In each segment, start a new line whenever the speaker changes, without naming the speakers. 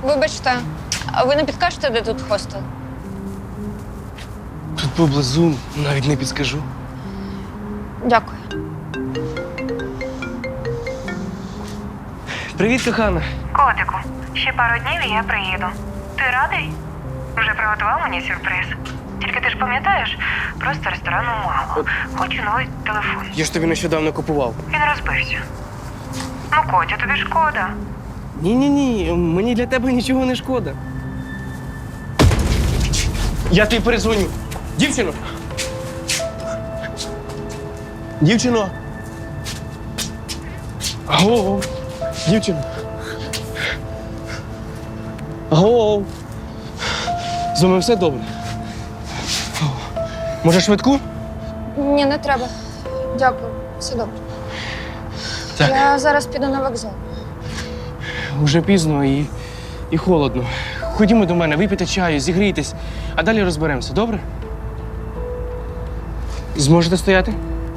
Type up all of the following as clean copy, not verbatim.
Вибачте, а ви не підкажете, де тут хостел?
Тут поблизу навіть не підскажу.
Дякую.
Привіт, кохана.
Котику, ще пару днів і я приїду. Ти радий? Вже приготував мені сюрприз. Тільки ти ж пам'ятаєш, просто ресторану мало. Хочу новий телефон.
Я ж тобі нещодавно купував.
Він розбився. Ну, Котя, тобі шкода.
Ні, мені для тебе нічого не шкода. Я тобі перезвоню. Дівчино! Дівчино! Аго! Дівчино! Аго! З вами все добре? Може, швидку?
Ні, не треба. Дякую, все добре.
Так.
Я зараз піду на вокзал.
Уже пізно і холодно. Ходімо до мене, випійте чаю, зігрійтесь, а далі розберемося, добре? Зможете стояти?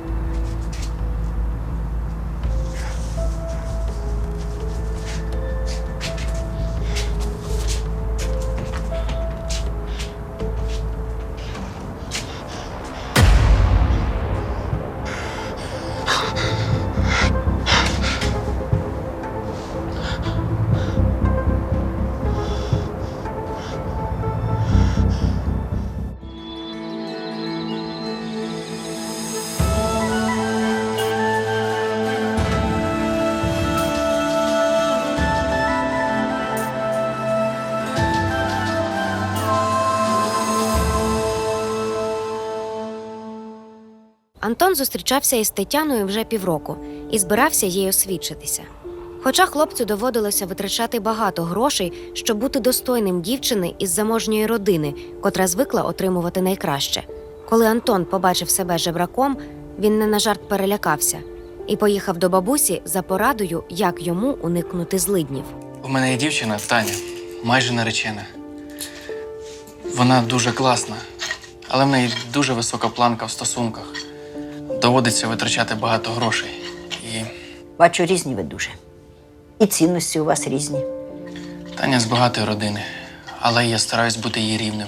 Антон зустрічався із Тетяною вже півроку і збирався їй освідчитися. Хоча хлопцю доводилося витрачати багато грошей, щоб бути достойним дівчини із заможньої родини, котра звикла отримувати найкраще. Коли Антон побачив себе жебраком, він не на жарт перелякався і поїхав до бабусі за порадою, як йому уникнути злиднів.
У мене є дівчина Таня, майже наречена. Вона дуже класна, але в неї дуже висока планка в стосунках. Доводиться витрачати багато грошей. І
Бачу, різні ви дуже. І цінності у вас різні.
Таня з багатої родини, але я стараюсь бути її рівним.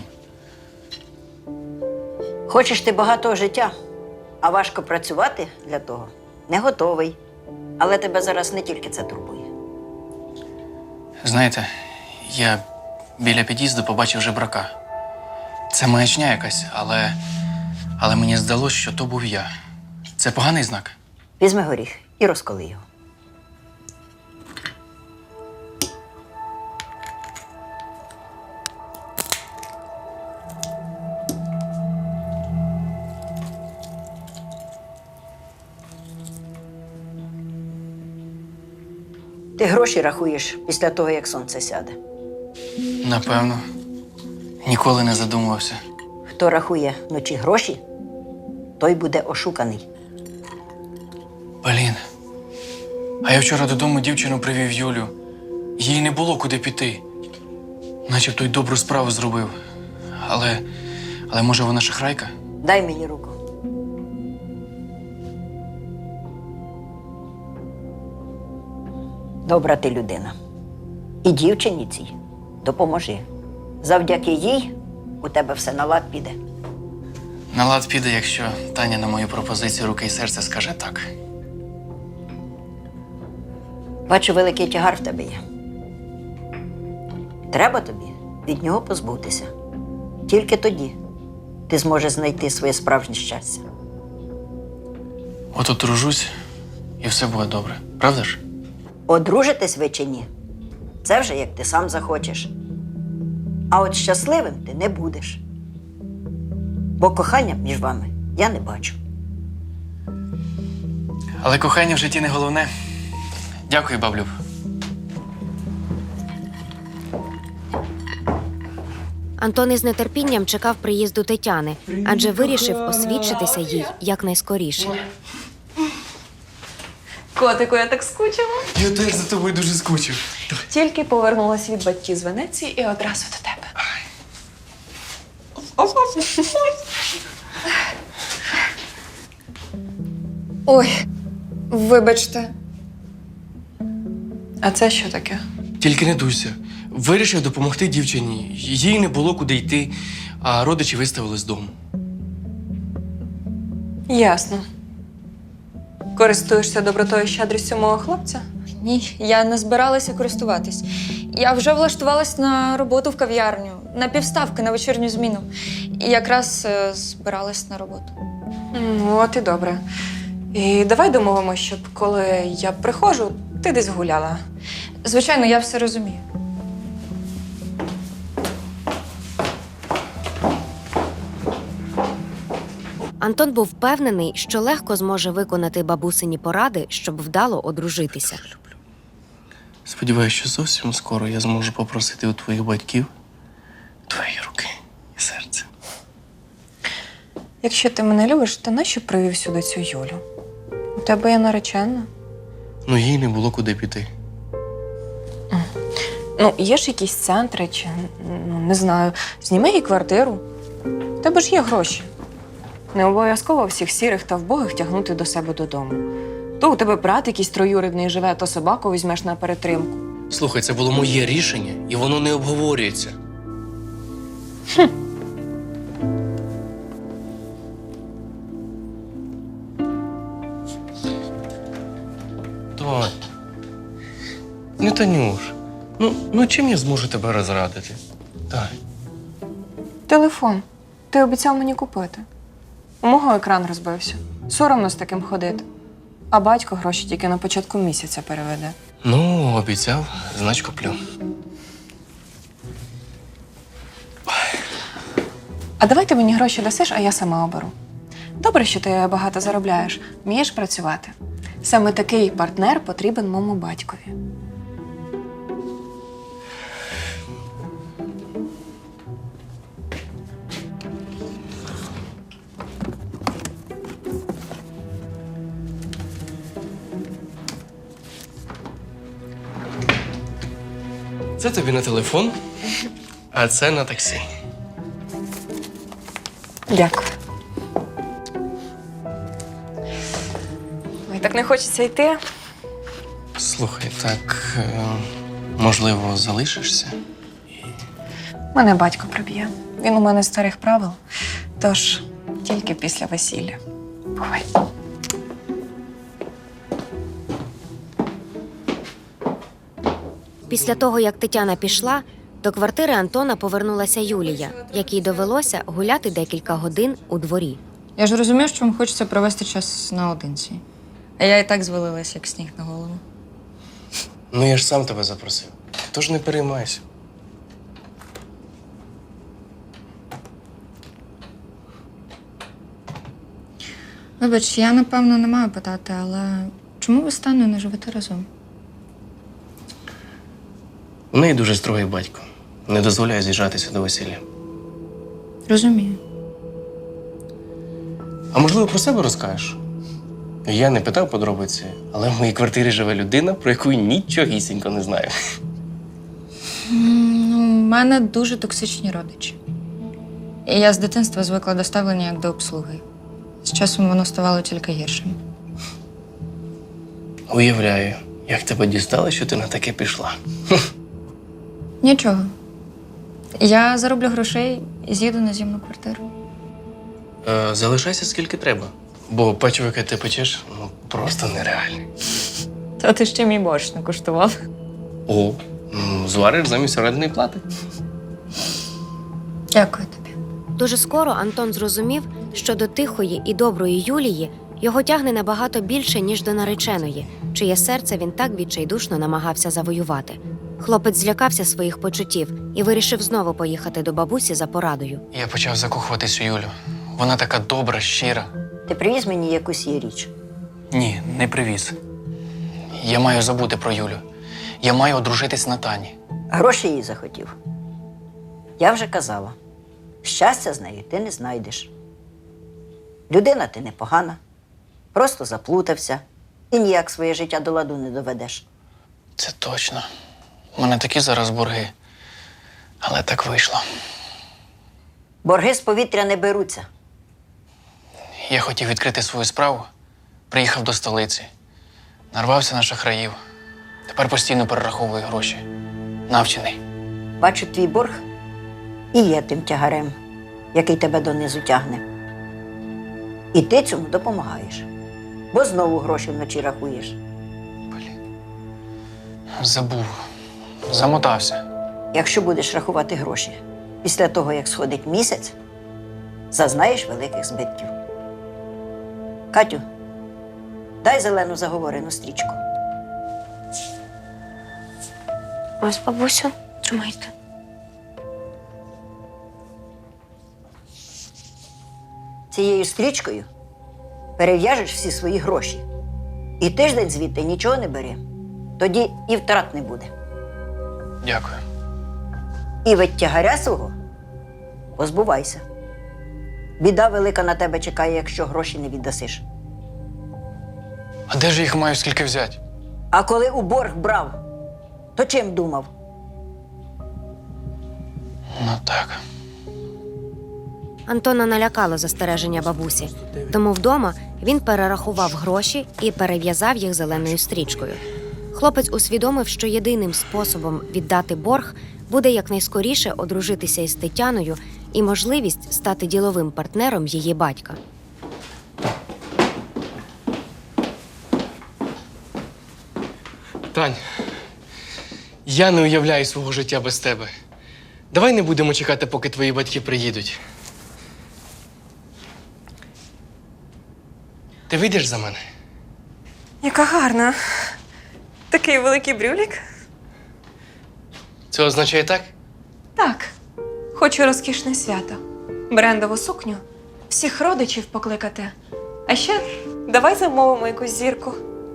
Хочеш ти багатого життя, а важко працювати для того не готовий. Але тебе зараз не тільки це турбує.
Знаєте, я біля під'їзду побачив жебрака. Це маячня якась, але мені здалося, що то був я. Це поганий знак?
Візьми горіх і розколи його. Ти гроші рахуєш після того, як сонце сяде.
Напевно. Ніколи не задумувався.
Хто рахує вночі гроші, той буде ошуканий.
Полін, а я вчора додому дівчину привів Юлю. Їй не було куди піти. Начебто й добру справу зробив. Але може вона шахрайка?
Дай мені руку. Добра ти людина. І дівчині цій допоможи. Завдяки їй у тебе все на лад піде.
На лад піде, якщо Таня на мою пропозицію руки і серце скаже так.
Бачу, великий тягар в тебе є. Треба тобі від нього позбутися. Тільки тоді ти зможеш знайти своє справжнє щастя.
От одружусь, і все буде добре. Правда ж?
Одружитись ви чи ні, це вже як ти сам захочеш. А от щасливим ти не будеш. Бо кохання між вами я не бачу.
Але кохання в житті не головне. Дякую, баблюб.
Антон із нетерпінням чекав приїзду Тетяни, адже вирішив освідчитися їй якнайскоріше.
Котику, я так скучила.
Я теж за тобою дуже скучив.
Тільки повернулася від батьків з Венеції і одразу до тебе.
Ой, вибачте.
А це що таке?
Тільки не дуйся.
Вирішив допомогти дівчині. Їй не було куди йти, а родичі виставили з дому.
Ясно. Користуєшся добротою і щедрістю мого хлопця?
Ні, я не збиралася користуватись. Я вже влаштувалась на роботу в кав'ярню, на півставки на вечірню зміну. І якраз збиралась на роботу.
От і добре. І давай домовимось, щоб коли я приходжу, ти десь гуляла.
Звичайно, я все розумію.
Антон був впевнений, що легко зможе виконати бабусині поради, щоб вдало одружитися.
Сподіваюся, що зовсім скоро я зможу попросити у твоїх батьків твої руки і серце.
Якщо ти мене любиш, то нащо привів сюди цю Юлю? У тебе є наречена.
Ну, їй не було куди піти.
Ну, є ж якісь центри чи, не знаю, зніми їй квартиру. У тебе ж є гроші. Не обов'язково всіх сірих та вбогих тягнути до себе додому. То у тебе брат якийсь троюрідний живе, то собаку візьмеш на перетримку.
Слухай, це було моє рішення, і воно не обговорюється. Тонь. Ну, Танюш, ну чим я зможу тебе розрадити? Так.
Телефон. Ти обіцяв мені купити. У мого екран розбився. Соромно з таким ходити. А батько гроші тільки на початку місяця переведе.
Ну, обіцяв, значить куплю.
А давай ти мені гроші дасиш, а я сама оберу. Добре, що ти багато заробляєш, вмієш працювати. Саме такий партнер потрібен моєму батькові.
Це тобі на телефон, а це на таксі.
Дякую. Ой, так не хочеться йти.
Слухай, так, можливо, залишишся?
Мене батько приб'є. Він у мене з старих правил, тож тільки після весілля. Бувай.
Після того, як Тетяна пішла, до квартири Антона повернулася Юлія, якій довелося гуляти декілька годин у дворі.
Я ж розумію, що вам хочеться провести час наодинці. А я і так звалилась, як сніг на голову.
Ну, я ж сам тебе запросив. Тож не переймайся.
Вибач, я, напевно, не маю питати, але чому ви з Таною не живете разом?
У неї дуже строгий батько. Не дозволяє з'їжджатися до весілля.
Розумію.
А можливо, про себе розкажеш? Я не питав подробиці, але в моїй квартирі живе людина, про яку нічогісінько не знаю.
Ну, у мене дуже токсичні родичі. І я з дитинства звикла до ставлення як до обслуги. З часом воно ставало тільки гіршим.
Уявляю, як тебе дістало, що ти на таке пішла.
Нічого. Я зароблю грошей і з'їду на зімну квартиру.
Залишайся скільки треба, бо печиво, яке ти печеш, ну просто нереальне.
Та ти ще мій борщ не куштував.
О, звариш замість орендної плати.
Дякую тобі.
Дуже скоро Антон зрозумів, що до тихої і доброї Юлії його тягне набагато більше, ніж до нареченої, чиє серце він так відчайдушно намагався завоювати. Хлопець злякався своїх почуттів і вирішив знову поїхати до бабусі за порадою.
Я почав закохуватись у Юлю. Вона така добра, щира.
Ти привіз мені якусь її річ.
Ні, не привіз. Я маю забути про Юлю. Я маю одружитись на Тані.
Гроші їй захотів. Я вже казала, щастя з нею ти не знайдеш. Людина ти непогана, просто заплутався і ніяк своє життя до ладу не доведеш.
Це точно. У мене такі зараз борги. Але так вийшло.
Борги з повітря не беруться.
Я хотів відкрити свою справу, приїхав до столиці, нарвався на шахраїв. Тепер постійно перераховую гроші. Навчений.
Бачу, твій борг і є тим тягарем, який тебе донизу тягне. І ти цьому допомагаєш, бо знову гроші вночі рахуєш.
Забув. Замотався.
Якщо будеш рахувати гроші після того, як сходить місяць, зазнаєш великих збитків. Катю, дай зелену заговорену стрічку.
Ось, бабусю, тримайте.
Цією стрічкою перев'яжеш всі свої гроші. І тиждень звідти нічого не бери. Тоді і втрат не буде.
Дякую.
І від тягаря свого позбувайся. Біда велика на тебе чекає, якщо гроші не віддасиш.
А де ж я їх маю скільки взяти?
А коли у борг брав, то чим думав?
Ну так.
Антона налякало застереження бабусі, тому вдома він перерахував гроші і перев'язав їх зеленою стрічкою. Хлопець усвідомив, що єдиним способом віддати борг буде якнайскоріше одружитися із Тетяною і можливість стати діловим партнером її батька.
Тань, я не уявляю свого життя без тебе. Давай не будемо чекати, поки твої батьки приїдуть. Ти вийдеш за мене?
Яка гарна. Такий великий брюлік.
Це означає так?
Так, хочу розкішне свято. Брендову сукню, всіх родичів покликати. А ще давай замовимо якусь зірку.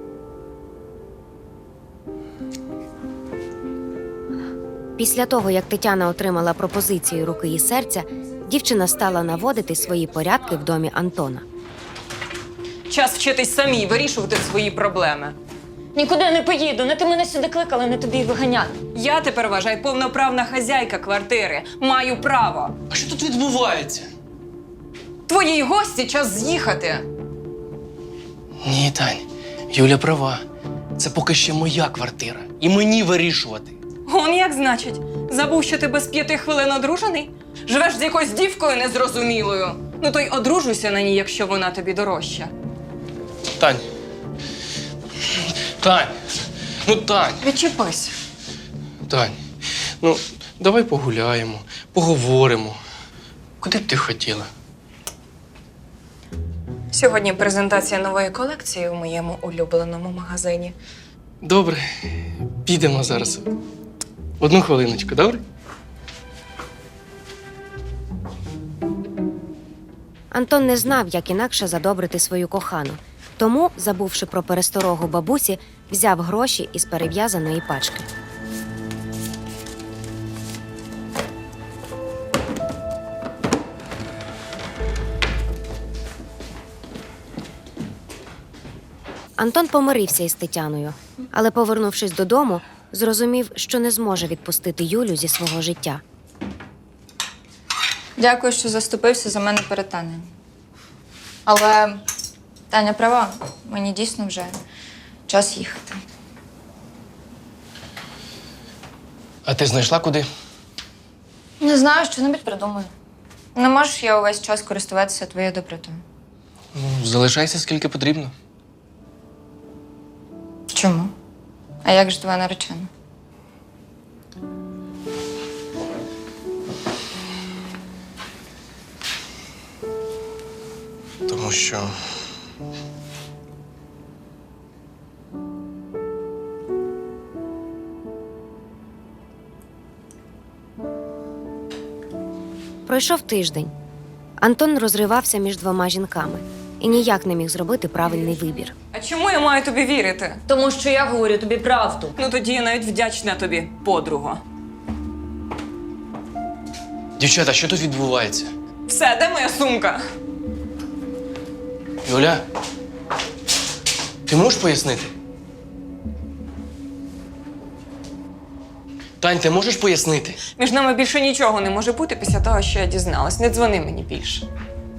Після того, як Тетяна отримала пропозицію руки і серця, дівчина стала наводити свої порядки в домі Антона.
Час вчитись самій вирішувати свої проблеми.
Нікуди не поїду, не ти мене сюди кликала, не тобі й виганяти.
Я тепер, вважаю, повноправна хазяйка квартири. Маю право.
А що тут відбувається?
Твоїй гості час з'їхати.
Ні, Тань, Юля права. Це поки ще моя квартира. І мені вирішувати.
Он як значить? Забув, що ти без 5 хвилин одружений? Живеш з якоюсь дівкою незрозумілою. Ну то й одружуйся на ній, якщо вона тобі дорожча.
Тань. Тань. Ну, Тань.
Відчепись.
Тань. Ну, давай погуляємо, поговоримо. Куди б ти хотіла?
Сьогодні презентація нової колекції у моєму улюбленому магазині.
Добре, підемо зараз. Одну хвилиночку, добре?
Антон не знав, як інакше задобрити свою кохану. Тому, забувши про пересторогу бабусі, взяв гроші із перев'язаної пачки. Антон помирився із Тетяною, але, повернувшись додому, зрозумів, що не зможе відпустити Юлю зі свого життя.
Дякую, що заступився за мене перед Танею. Але Таня права, мені дійсно вже час їхати.
А ти знайшла куди?
Не знаю, що-небудь придумаю. Не можеш я увесь час користуватися твоєю добротою.
Ну, залишайся скільки потрібно.
Чому? А як ж твоя наречена?
Тому що.
Пройшов тиждень. Антон розривався між двома жінками і ніяк не міг зробити правильний вибір.
А чому я маю тобі вірити?
Тому що я говорю тобі правду.
Ну тоді я навіть вдячна тобі, подруга.
Дівчата, що тут відбувається?
Все, де моя сумка?
Юля, ти можеш пояснити? Тань, ти можеш пояснити?
Між нами більше нічого не може бути після того, що я дізналась. Не дзвони мені більше.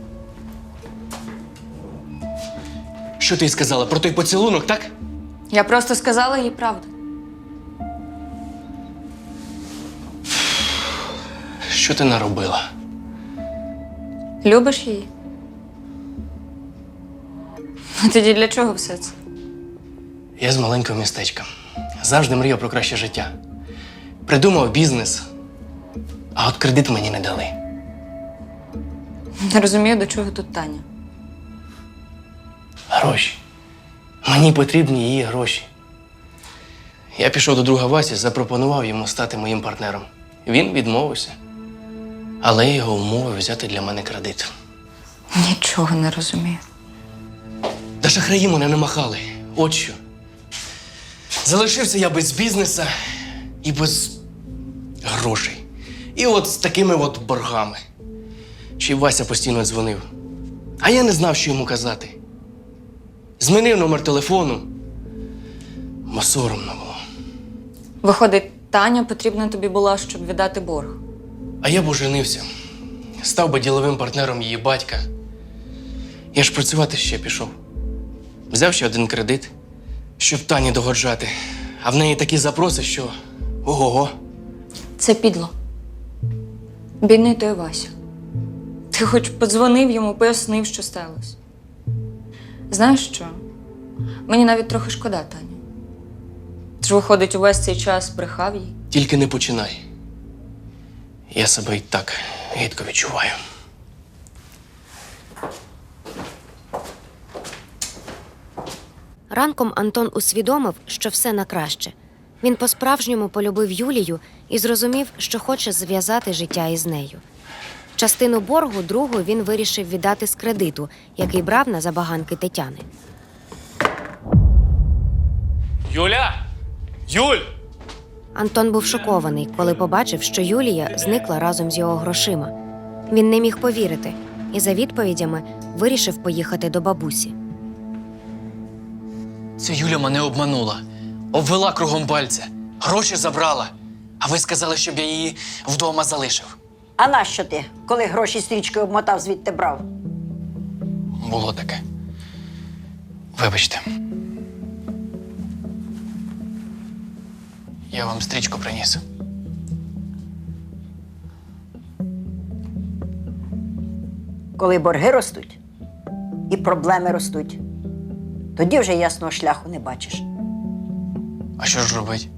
Що ти сказала про той поцілунок, так?
Я просто сказала їй правду.
Що ти наробила?
Любиш її? А тоді для чого все це?
Я з маленького містечка. Завжди мріяв про краще життя. Придумав бізнес, а от кредит мені не дали.
Не розумію, до чого тут Таня.
Гроші. Мені потрібні її гроші. Я пішов до друга Васі, запропонував йому стати моїм партнером. Він відмовився. Але я його умовив взяти для мене кредит.
Нічого не розумію.
Та шахраї мене намахали. От що. Залишився я без бізнеса і без грошей. І от з такими от боргами. Ще й Вася постійно дзвонив. А я не знав, що йому казати. Змінив номер телефону, бо соромно було.
Виходить, Таня потрібна тобі була, щоб віддати борг.
А я б оженився. Став би діловим партнером її батька. Я ж працювати ще пішов. Взяв ще один кредит, щоб Тані догоджати. А в неї такі запроси, що ого-го.
Це підло. Бідний той Вася. Ти хоч подзвонив йому, пояснив, що сталося. Знаєш що? Мені навіть трохи шкода Таню. Ти ж, виходить, увесь цей час брехав їй.
Тільки не починай. Я себе і так гидко відчуваю.
Ранком Антон усвідомив, що все на краще. Він по-справжньому полюбив Юлію і зрозумів, що хоче зв'язати життя із нею. Частину боргу другу він вирішив віддати з кредиту, який брав на забаганки Тетяни.
Юля! Юль!
Антон був шокований, коли побачив, що Юлія зникла разом з його грошима. Він не міг повірити і за відповідями вирішив поїхати до бабусі.
Ця Юля мене обманула. Обвела кругом пальця. Гроші забрала. А ви сказали, щоб я її вдома залишив.
А нащо ти, коли гроші стрічкою обмотав, звідти брав?
Було таке. Вибачте. Я вам стрічку приніс.
Коли борги ростуть і проблеми ростуть, тоді вже ясного шляху не бачиш.
А що ж робить?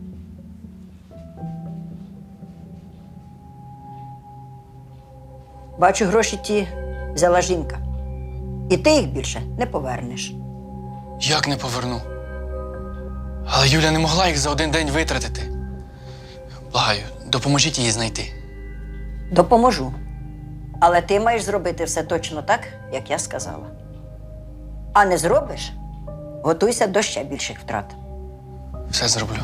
Бачу, гроші ті взяла жінка. І ти їх більше не повернеш.
Як не поверну? Але Юля не могла їх за один день витратити. Благаю, допоможіть її знайти.
Допоможу. Але ти маєш зробити все точно так, як я сказала. А не зробиш – готуйся до ще більших втрат.
Все зроблю.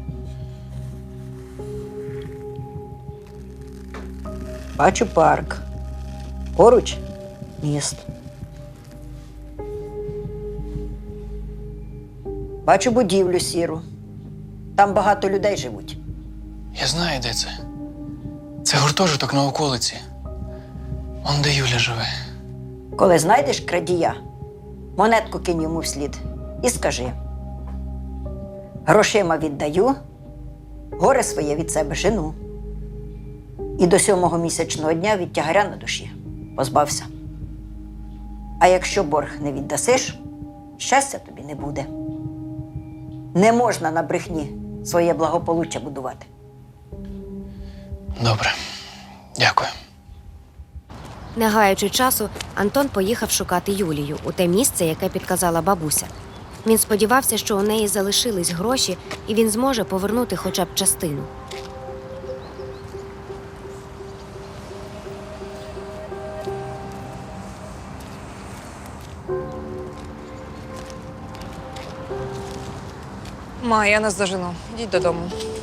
Бачу парк. Поруч – міст. Бачу будівлю сіру. Там багато людей живуть.
Я знаю, де це. Це гуртожиток на околиці. Он де Юля живе.
Коли знайдеш крадія, монетку кинь йому вслід і скажи: грошима віддаю, горе своє від себе жену. І до 7-го місячного дня від тягаря на душі позбався. А якщо борг не віддасиш, щастя тобі не буде. Не можна на брехні своє благополуччя будувати.
Добре. Дякую.
Не гаючи часу, Антон поїхав шукати Юлію у те місце, яке підказала бабуся. Він сподівався, що у неї залишились гроші, і він зможе повернути хоча б частину.
Ма, я нас дожену. Йдіть додому.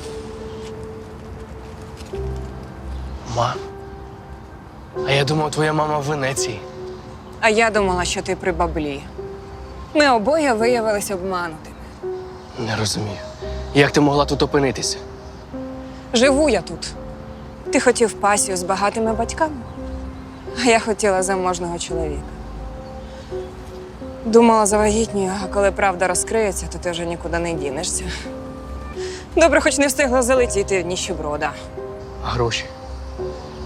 Ма. А я думав, твоя мама в Венеції.
А я думала, що ти при баблі. Ми обоє виявилися обманутими.
Не розумію. Як ти могла тут опинитися?
Живу я тут. Ти хотів пасію з багатими батьками, а я хотіла заможного чоловіка. Думала, завагітнюю, а коли правда розкриється, то ти вже нікуди не дінешся. Добре, хоч не встигла залетіти в ніщеброда.
А гроші?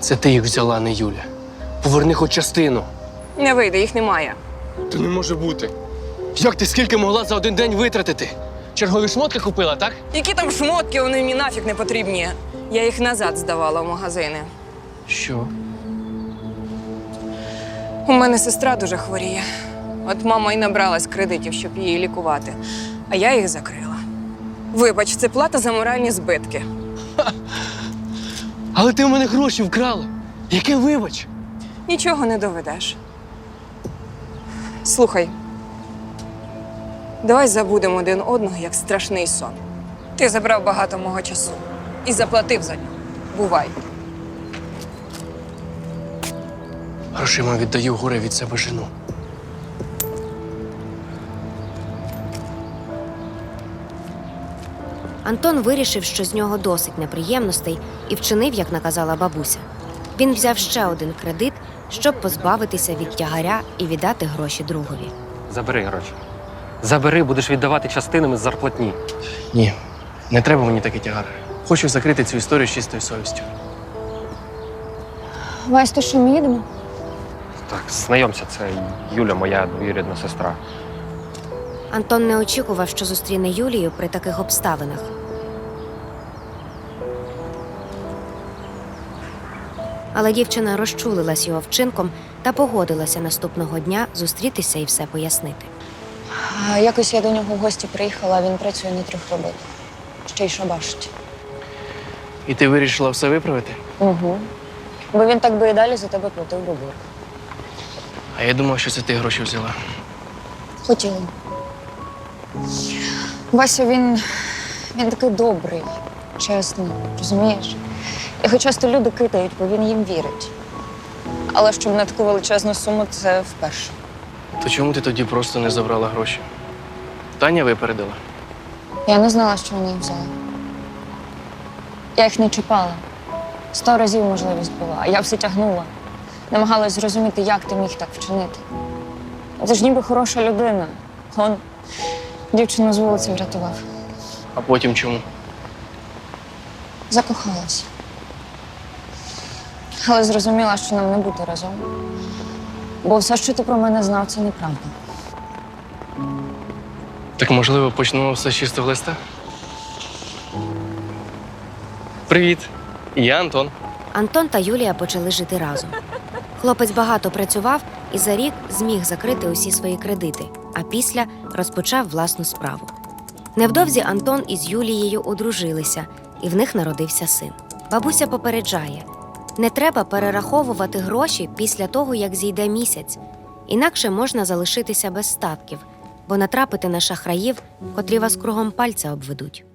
Це ти їх взяла, не Юля. Поверни хоч частину.
Не вийде, їх немає.
Та не може бути. Як ти скільки могла за один день витратити? Чергові шмотки купила, так?
Які там шмотки, вони мені нафіг не потрібні. Я їх назад здавала в магазини.
Що?
У мене сестра дуже хворіє. От мама і набралась кредитів, щоб її лікувати. А я їх закрила. Вибач, це плата за моральні збитки.
Але ти в мене гроші вкрала. Яке вибач?
Нічого не доведеш. Слухай, давай забудемо один одного, як страшний сон. Ти забрав багато мого часу і заплатив за нього. Бувай.
Грошима віддаю горе від себе жену.
Антон вирішив, що з нього досить неприємностей, і вчинив, як наказала бабуся. Він взяв ще один кредит, щоб позбавитися від тягаря і віддати гроші другові.
Забери гроші. Забери, будеш віддавати частинами з зарплатні.
Ні, не треба мені такий тягар. Хочу закрити цю історію з чистою совістю.
Вась, то що, ми їдемо?
Так, знайомся, це Юля, моя двоюрідна сестра.
Антон не очікував, що зустріне Юлію при таких обставинах. Але дівчина розчулилась його вчинком та погодилася наступного дня зустрітися і все пояснити.
Якось я до нього в гості приїхала, а він працює на 3 роботах. Ще й шабашить.
І ти вирішила все виправити?
Угу. Бо він так би і далі за тебе платив би борг.
А я думав, що це ти гроші взяла.
Хотіла. Вася, він такий добрий, чесний, розумієш? Його часто люди кидають, бо він їм вірить. Але щоб на таку величезну суму, це вперше.
То чому ти тоді просто не забрала гроші? Таня випередила.
Я не знала, що вона їх взяла. Я їх не чіпала. 100 разів можливість була, а я все тягнула. Намагалась зрозуміти, як ти міг так вчинити. Ти ж ніби хороша людина. Он дівчину з вулиці врятував.
А потім чому?
Закохалась. Але зрозуміла, що нам не бути разом. Бо все, що ти про мене знав, це неправда.
Так, можливо, почнемо все з чистого листа? Привіт, я Антон.
Антон та Юлія почали жити разом. Хлопець багато працював і за рік зміг закрити усі свої кредити, а після розпочав власну справу. Невдовзі Антон із Юлією одружилися, і в них народився син. Бабуся попереджає: не треба перераховувати гроші після того, як зійде місяць, інакше можна залишитися без статків, бо натрапити на шахраїв, котрі вас кругом пальця обведуть.